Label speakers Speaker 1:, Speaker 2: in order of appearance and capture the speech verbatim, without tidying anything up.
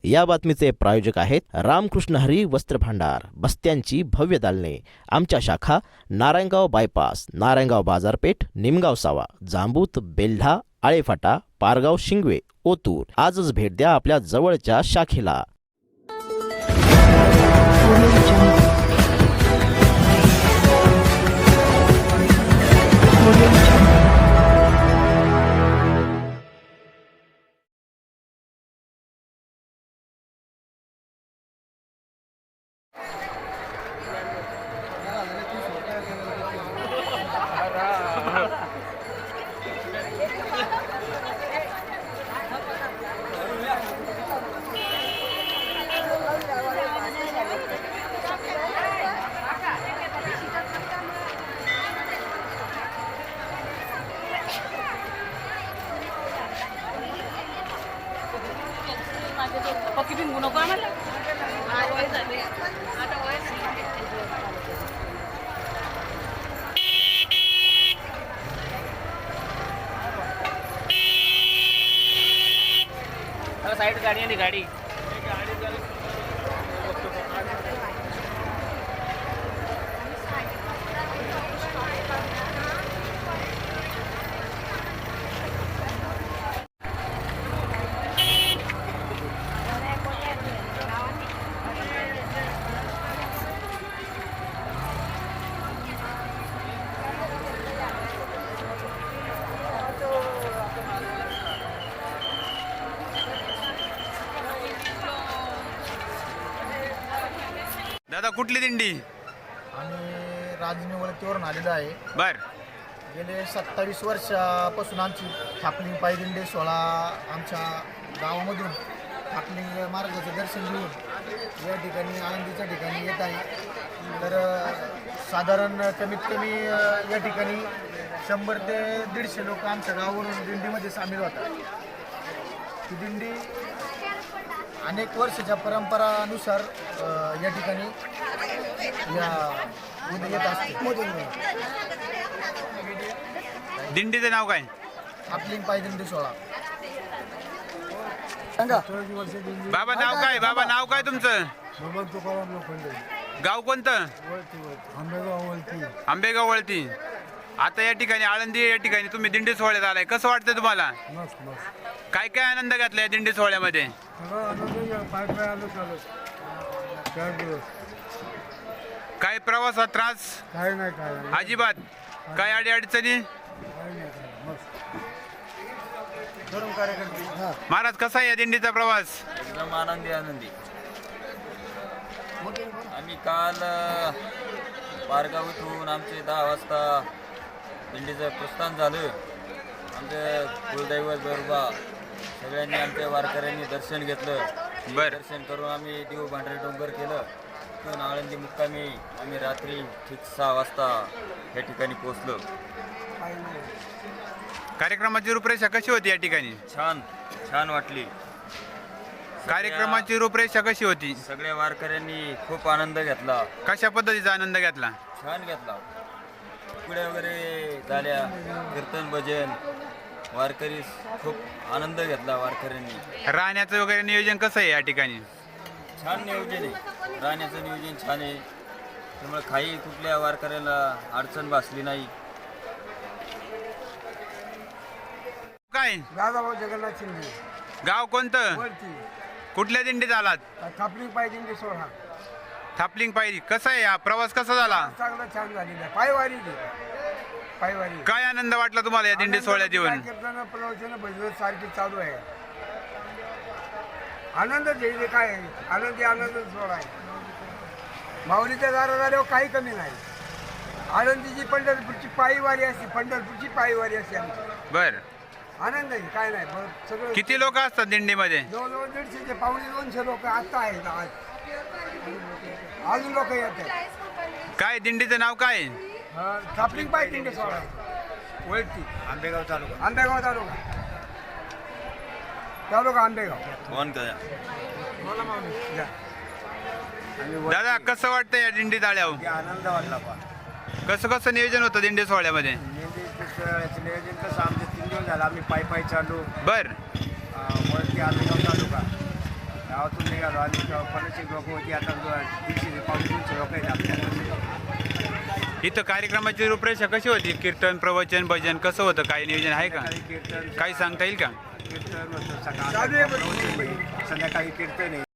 Speaker 1: या बातमीचे प्रायोजक आहेत रामकृष्ण हरी वस्त्र भांडार, बस्त्यांची भव्य दालने। आमच्या शाखा नारायणगाव बायपास, नारायणगाव बाजारपेठ, निमगाव सावा, जांबूत, बेल्ढा, आळेफाटा, पारगाव, शिंगवे, ओतूर। आजच भेट द्या आपल्या जवळच्या शाखेला।
Speaker 2: साइड गाड़ी है गाड़ी
Speaker 3: दादा कुठली दिंडी?
Speaker 4: आम्ही राजनी वळतीवरून आलेलो आहे।
Speaker 3: बर
Speaker 4: गेले सत्तावीस वर्षापासून आमची थापलिंग पायदिंडी सोहळा आमच्या गावामधून थापलिंग मार्गाचं दर्शन घेऊन या ठिकाणी आनंदीच्या ठिकाणी येत आहे। तर साधारण कमीत कमी या ठिकाणी शंभर ते दीडशे लोक आमच्या गावावरून दिंडीमध्ये सामील होतात। ही दिंडी अनेक वर्षाच्या परंपरानुसार या ठिकाणी या येत असते।
Speaker 3: दिंडीचं नाव काय?
Speaker 4: थापलिंग पायदिंडी सोहळा।
Speaker 3: बाबा नाव काय? बाबा नाव काय तुमचं? गाव कोणतं? आंबेगाव वळती। आता या ठिकाणी आळंदी या ठिकाणी तुम्ही दिंडी सोहळ्यात आलाय, कसं वाटतं तुम्हाला? काय काय आनंद घेतला या दिंडी सोहळ्यामध्ये? काय प्रवासात त्रास?
Speaker 5: काय नाही काय
Speaker 3: अजिबात? काय अडी अडचणी? महाराज कसा आहे या दिंडीचा प्रवास?
Speaker 6: एकदम आनंदी आनंदी। आम्ही काल पारगाव इथून आमचे दहा वाजता दिंडीचं प्रस्थान झालं। आमचं कुलदैवत बरोबर सगळ्यांनी आमच्या वारकऱ्यांनी दर्शन घेतलं।
Speaker 3: बर
Speaker 6: दर्शन करून आम्ही देव भांडारे डोंगर केलं। तिथून आळंदी मुक्कामी आम्ही रात्री ठीक सहा वाजता या ठिकाणी पोहोचलो।
Speaker 3: कार्यक्रमाची रूपरेषा कशी होती या ठिकाणी?
Speaker 6: छान छान वाटली।
Speaker 3: कार्यक्रमाची रूपरेषा कशी होती?
Speaker 6: सगळ्या वारकऱ्यांनी खूप आनंद घेतला।
Speaker 3: कशा पद्धतीचा आनंद घेतला?
Speaker 6: छान घेतला। पुढे वगैरे झाल्या, कीर्तन भजन, वारकरी खूप आनंद घेतला वारकऱ्यांनी।
Speaker 3: राहण्याचं वगैरे नियोजन कसं आहे या ठिकाणी?
Speaker 6: छान नियोजन आहे, राहण्याचं नियोजन छान आहे। त्यामुळे काही कुठल्या वारकऱ्याला अडचण भासली नाही।
Speaker 3: काय
Speaker 5: दादाभाऊ जगन्नाथ शिंदे,
Speaker 3: गाव कोणतं?
Speaker 5: वरती
Speaker 3: कुठल्या दिंडीत आलात?
Speaker 5: थापलिंग पायदिंडी सोहळा
Speaker 3: थापलिंग पायरी। कसा आहे हा प्रवास, कसा झाला?
Speaker 5: चांगला छान झालेला आहे। पायवारी ती पायवारी।
Speaker 3: काय आनंद वाटला तुम्हाला या दिंडी सोहळ्यात येऊन?
Speaker 5: कीर्तन प्रवचन भजन सारखी चालू आहे। आनंद घेईल काय आहे? आनंदी आनंद सोहळा आहे। माऊलीच्या दारा झाल्यावर काही कमी नाही। आळंदीची पंढरपूरची पायवारी असते, पंढरपूरची पायवारी असते आमची।
Speaker 3: बर
Speaker 5: आनंद आहे, काय नाही बरं सगळं।
Speaker 3: किती लोक असतात दिंडीमध्ये?
Speaker 5: जवळजवळ दीडशे ते पावणे दोनशे लोक आता आहेत। आज अजून लोक येत आहेत।
Speaker 3: काय दिंडीचं नाव काय?
Speaker 5: थापलिंग पायदिंडी सोहळा वळती,
Speaker 4: आंबेगाव तालुका।
Speaker 5: आंबेगाव तालुका तालुका आंबेगाव।
Speaker 6: फोन करा।
Speaker 5: बोला माऊली या।
Speaker 3: दादा कसं वाटतं या दिंडीत आल्यावर?
Speaker 4: आनंद वाटला पा।
Speaker 3: कसं कसं नियोजन होतं दिंडी सोहळ्यामध्ये?
Speaker 4: नियोजन कसं आमचं तीन दिवस झालं आम्ही पाय पाय चालू।
Speaker 3: बर
Speaker 4: वरती आंबेगाव तालुका
Speaker 5: गावातून निघालो आणि पन्नासशे लोक होती, आता दीडशे पाऊस दोनशे लोक आहेत आपल्याला.
Speaker 3: इथं कार्यक्रमाची रूपरेषा कशी होती? कीर्तन, प्रवचन, भजन कसं होतं? काही नियोजन आहे का?
Speaker 5: काही कीर्तन
Speaker 3: काही सांगता येईल का?
Speaker 5: कीर्तन होतं सकाळ, संध्याकाळी कीर्तन आहे.